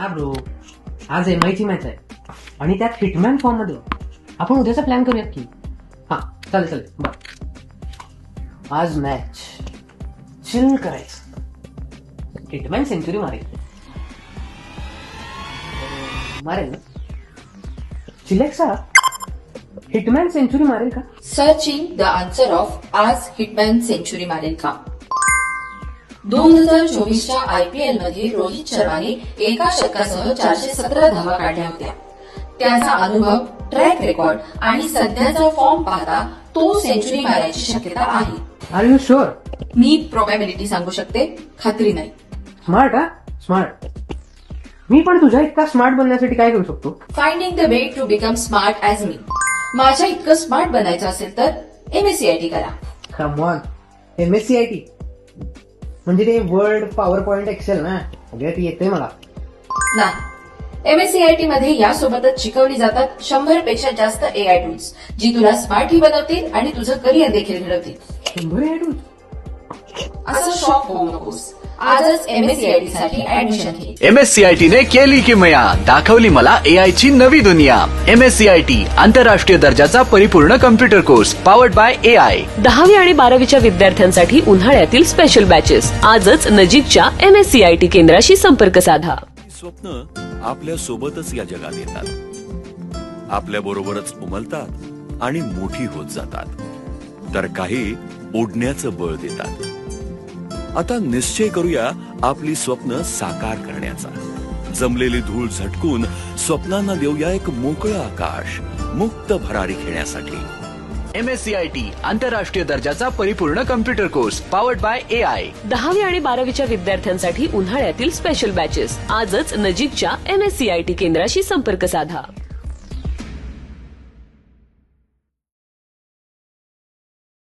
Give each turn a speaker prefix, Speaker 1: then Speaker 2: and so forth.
Speaker 1: हा ब्रो, आज MI ची मॅच आहे आणि त्यात हिटमॅन फॉर्म मध्ये. आपण उद्याचा प्लॅन करूयात की. हा चालेल चालेल बर. आज मॅच चिल करायचं. हिटमॅन सेंचुरी मारेल ना? चिलेक्सा, हिटमॅन सेंचुरी मारेल का?
Speaker 2: सर्चिंग द आन्सर ऑफ आज हिटमॅन सेंचुरी मारेल का? 2024च्या IPL मध्ये रोहित शर्माने एका षटकासह 417 धावा काढल्या होत्या. त्याचा अनुभव, ट्रॅक रेकॉर्ड आणि सध्याचा फॉर्म पाहता तो सेंचुरी मारायची शक्यता आहे.
Speaker 1: Are you sure?
Speaker 2: मी प्रोबॅबिलिटी सांगू शकते, खात्री नाही.
Speaker 1: स्मार्ट हा स्मार्ट. मी पण तुझ्या इतका स्मार्ट बनण्यासाठी काय करू शकतो?
Speaker 2: Finding the way to become smart as me. माझ्या इतकं स्मार्ट बनायचं असेल तर MSCIT करा.
Speaker 1: कम ऑन, MSCIT म्हणजे ते वर्ड पॉवर पॉइंट एक्सेल ना, सगळ्यात येते मला.
Speaker 2: नाही, MSCIT मध्ये यासोबतच शिकवली जातात 100 पेक्षा जास्त AI टूल्स, जी तुला स्मार्टही बनवतील आणि तुझं करिअर देखील घडवतील.
Speaker 1: 100 ऍडून?
Speaker 2: असं शॉक होऊ नकोस. आजच MSCIT साठी ऍडमिशन घे.
Speaker 3: MSCIT ने केली किमया, दाखवली मला AI ची नवी दुनिया. MSCIT आंतरराष्ट्रीय दर्जाचा परिपूर्ण computer course powered by AI.
Speaker 4: 10वी आणि 12वीच्या विद्यार्थ्यांसाठी उन्हाळ्यातील स्पेशल बॅचेस. आजच नजीकच्या MSCIT केंद्राशी संपर्क साधा.
Speaker 5: स्वप्न आपल्या सोबतच या जगात येतात, आपल्या बरोबरच उमलतात आणि मोठी होत जातात, तर काही ओढण्याचं बळ देतात. आता निश्चय करूया आपली स्वप्न साकार करण्याचा. जमलेली धूळ झटकून स्वप्नांना देऊया एक मोकळं आकाश, मुक्त भरारी खेळण्यासाठी.
Speaker 3: MSCIT आंतरराष्ट्रीय दर्जाचा परिपूर्ण computer course powered by AI.
Speaker 4: 10वी आणि 12वीच्या विद्यार्थ्यांसाठी उन्हाळ्यातील स्पेशल बॅचेस. आजच नजीकच्या MSCIT केंद्राशी संपर्क साधा.